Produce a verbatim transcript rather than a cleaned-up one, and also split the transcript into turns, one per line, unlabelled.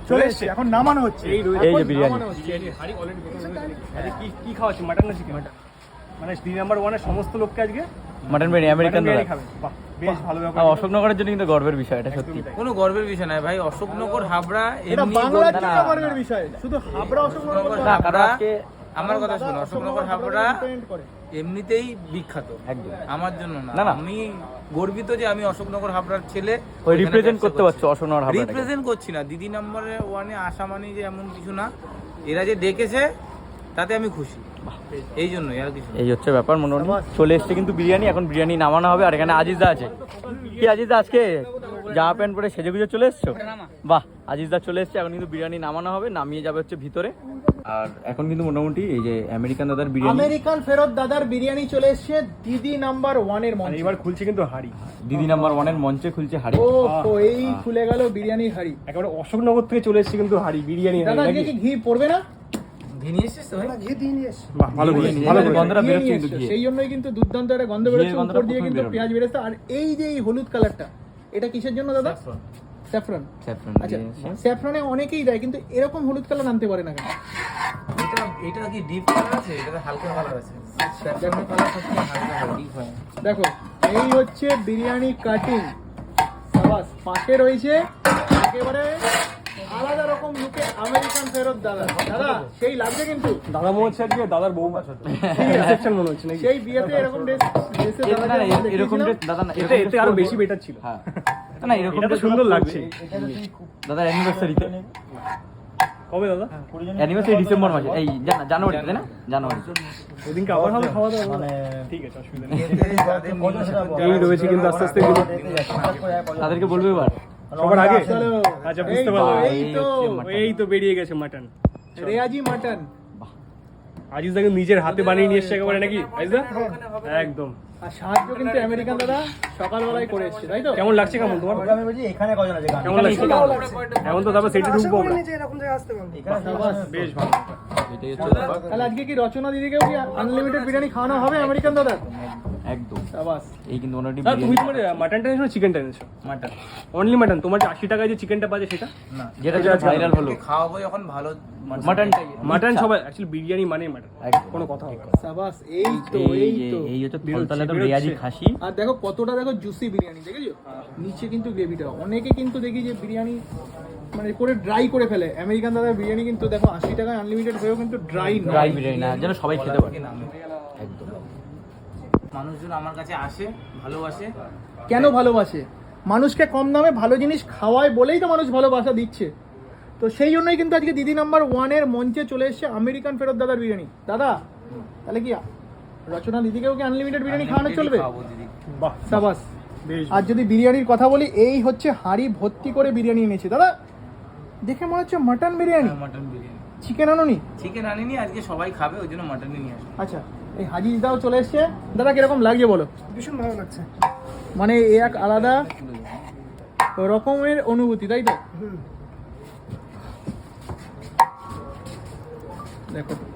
চলে এসেছে, এখন নামানো হচ্ছে।
এই যে বিরিয়ানি হাড়ি অলরেডি আজকে কি কি খাওয়াচ্ছি, মাটন না চিকেন? মানে দুই নাম্বার ওয়ানের সমস্ত লোককে আজকে
মাটন বিরিয়ানি আমেরিকান দাদা
খাবে। বাহ, বেশ ভালো ব্যাপার।
আর অশোকনগরের জন্য কিন্তু গর্বের বিষয় এটা, সত্যি
কোনো গর্বের বিষয় নয় ভাই, অশোকনগর হাবড়া
এটা
এমনি
বাংলার
বলতে-
জন্য গর্বের বিষয়, শুধু হাবড়া অশোকনগর বলতে
না,
হবে।
কারণ আজকে
আমার কথা
দাদা
শোনো, অশোকনগর হাবড়া
depend করে।
এমনিতেই বিখ্যাত,
একদম
আমার জন্য না।
না, না।
আমি গর্বিত যে আমি অশোকনগর হাবড়ার ছেলে,
ওই রিপ্রেজেন্ট করতে পারছো অশোকনগর হাবড়াটাকে।
রিপ্রেজেন্ট করছি না, দিদি নাম্বারে ওয়ানে আসা মানে যে এমন কিছু না, এরা যে ডেকেছে তাতে আমি খুশি, এই জন্যই আর কিছু না।
এই হচ্ছে ব্যাপার। মোটামুটি চলে এসছে কিন্তু বিরিয়ানি, এখন বিরিয়ানি নামানো হবে। আর এখানে আজিজদা আছে। কি আজিজদা আজকে জামা প্যান্ট পরে সেজে গুজে চলে এসছো? বাহ, আজিজদা চলে এসছে, এখন কিন্তু বিরিয়ানি নামানো হবে, নামিয়ে যাবে হচ্ছে ভিতরে। আর এখন কিন্তু মোটামুটি এই যে আমেরিকান দাদার বিরিয়ানি,
আমেরিকান ফেরত দাদার বিরিয়ানি চলে এসেছে দিদি নাম্বার ওয়ানের
আর
মঞ্চে।
এবার খুলছে কিন্তু হাড়ি,
দিদি নাম্বার ওয়ানের মঞ্চে খুলছে হাড়ি।
ও তো এই খুলে গেল বিরিয়ানির হাড়ি।
একেবারে অশোকনগর থেকে চলে এসেছে কিন্তু হাড়ি বিরিয়ানি হাঁড়ি,
দাদা আজকে
নাকি?
কি ঘি পড়বে না?
ঘি নিয়ে এসছিস তো ভাই?
বাহ, ভালো করে
ঘি-
ভালো
ঘি-
করে
গন্ধটা
ঘি
বেরোচ্ছে
নিয়ে
কিন্তু
এসছো,
ঘিয়ে।
সেই জন্যই কিন্তু দুর্দান্ত একটা গন্ধ
ঘিয়ের
বেরোচ্ছে,
গন্ধটা
উপর দিয়ে
প্রথমেই
কিন্তু
বেরোবে।
পেঁয়াজ বেরেস্তা। আর এই যে এই হলুদ কালারটা, এটা কিসের জন্য দাদা? স্যাফরন।
স্যাফরন
আচ্ছা,
দিয়ে এসছে।
স্যাফরনে অনেকেই দেয়, কিন্তু এরকম হলুদ কালার আনতে পারে না কেন?
এটা এটা কি ডিপ কালার আছে? এটা হালকা কালার আছে, স্যাফরন কালার সত্যি হালকা হয়, ডিপ হয়।
দেখো, এই হচ্ছে বিরিয়ানি কাটিং। সাবাস। পাশে রয়েছে একেবারে আলাদা রকম লুকে আমেরিকান ফেরত দাদা। দাদা সেই লাগছে কিন্তু,
দাদা মনে হচ্ছে আজকে দাদার বউ রিসেপশন মনে হচ্ছে নাকি?
সেই বিয়েতে এরকম ড্রেস ড্রেসে
এ- না, না, এ- এরকম ড্রেস দাদা না,
এটা
এরকম
এতে
dress
আরো
করবো।
বেশি বেটার ছিল।
হ্যাঁ, না এরকম
এটা তো
dress
সুন্দর
করবো।
লাগছে।
দাদার অ্যানিভার্সারিতে,
কবে দাদা?
অ্যানিভার্সারি ডিসেম্বর মাসে, এই জানা- জানুয়ারিতে, তাই না? জানুয়ারি।
ওদিনকে আবার হবে খাওয়া দাওয়া, মানে ঠিক আছে, অসুবিধা নেই।
এতে যাদের নিয়ে আসে-
এই রয়েছে কিন্তু আস্তে আস্তে এগুলো
তাদেরকে বলবো এবার।
সবার আগে।
চলো।
আচ্ছা,
এই
বুঝতে
তো,
পারলাম।
এই তো
এই তো বেরিয়ে গেছে মাটন।
রেয়াজি মাটন।
আজিজ দাকে নিজের হাতে বানিয়ে নিয়ে এসছে একেবারে নাকি আজিজ দা? একদম।
আর সাহায্য কিন্তু আমেরিকান দাদা সকালবেলায় করে এসছে, তাই তো?
কেমন লাগছে কেমন তোমার?
আমি বলছি এখানে কজন আছে গান?
কেমন লাগছে? এমন তো তারপর সেটা ঢুকবো আমরা।
এখানে
সাবাস।
বেশ ভালো।
এটাই হচ্ছে ব্যাপার।
তাহলে আজকে কি রচনা দিদিকেও কি আনলিমিটেড বিরিয়ানি খাওয়ানো হবে আমেরিকান দাদা?
একদম।
সাবাস।
এই কিন্তু মোটামুটি
দাদা, তুমি
বিরিয়ানি,
তোমার মাটনটা এনেছো চিকেনটা এনেছো?
Mutton
only mutton. তোমার যে আশি টাকায় যে চিকেনটা পাচ্ছে সেটা?
না,
যেটা যেটা ভাইরাল হলো
খাওয়াবো যখন ভালো
মাটনটাই।
মাটন সবাই অ্যাকচুয়ালি বিরিয়ানি মানে মাটন,
একদম।
কোনো কথা হবে না।
সাবাস। এই তো,
এই
এই
যে
তো।
এই হচ্ছে
বেরোচ্ছে,
ফলতালাতে
বেরোচ্ছে।
রেয়াজি খাসি।
আর দেখো কতটা, দেখো জুসি বিরিয়ানি, দেখেছো? নিচে কিন্তু গ্রেভিটা, অনেকে কিন্তু দেখি যে বিরিয়ানি মানে করে ড্রাই করে ফেলে। আমেরিকান দাদার বিরিয়ানি কিন্তু দেখো আশি টাকায় আনলিমিটেড হয়েও কিন্তু ড্রাই
ড্রাই
নয়।
বিরিয়ানি না, যেন সবাই খেতে পারে। একদম।
মানুষজন আমার কাছে আসে, ভালোবাসে।
কেন ভালোবাসে? মানুষকে কম দামে ভালো জিনিস খাওয়ায় বলেই তো মানুষ ভালোবাসা দিচ্ছে। তো সেই জন্যই কিন্তু আজকে দিদি নাম্বার ওয়ানের মঞ্চে চলে এসেছে আমেরিকান ফেরত দাদার বিরিয়ানি। দাদা তাহলে কি রচনা দিদিকেও কি আনলিমিটেড বিরিয়ানি খাওয়ানো চলবে?
খাওয়াবো দিদি।
বাহ,
সাবাস।
বেশ।
আর যদি বিরিয়ানির কথা বলি, এই হচ্ছে হাঁড়ি ভর্তি করে বিরিয়ানি এনেছে দাদা। দেখে মনে হচ্ছে mutton biryani.
Mutton biryani,
chicken আনোনি?
চিকেন আনিনি, আজকে সবাই খাবে ওই জন্য মাটনই নিয়ে আসো।
আচ্ছা, এই হাজিজ দাও চলে এসছে। দাদা কিরকম লাগছে বলো?
ভীষণ ভালো লাগছে।
মানে এ এক আলাদা রকমের অনুভূতি, তাই তো? দেখো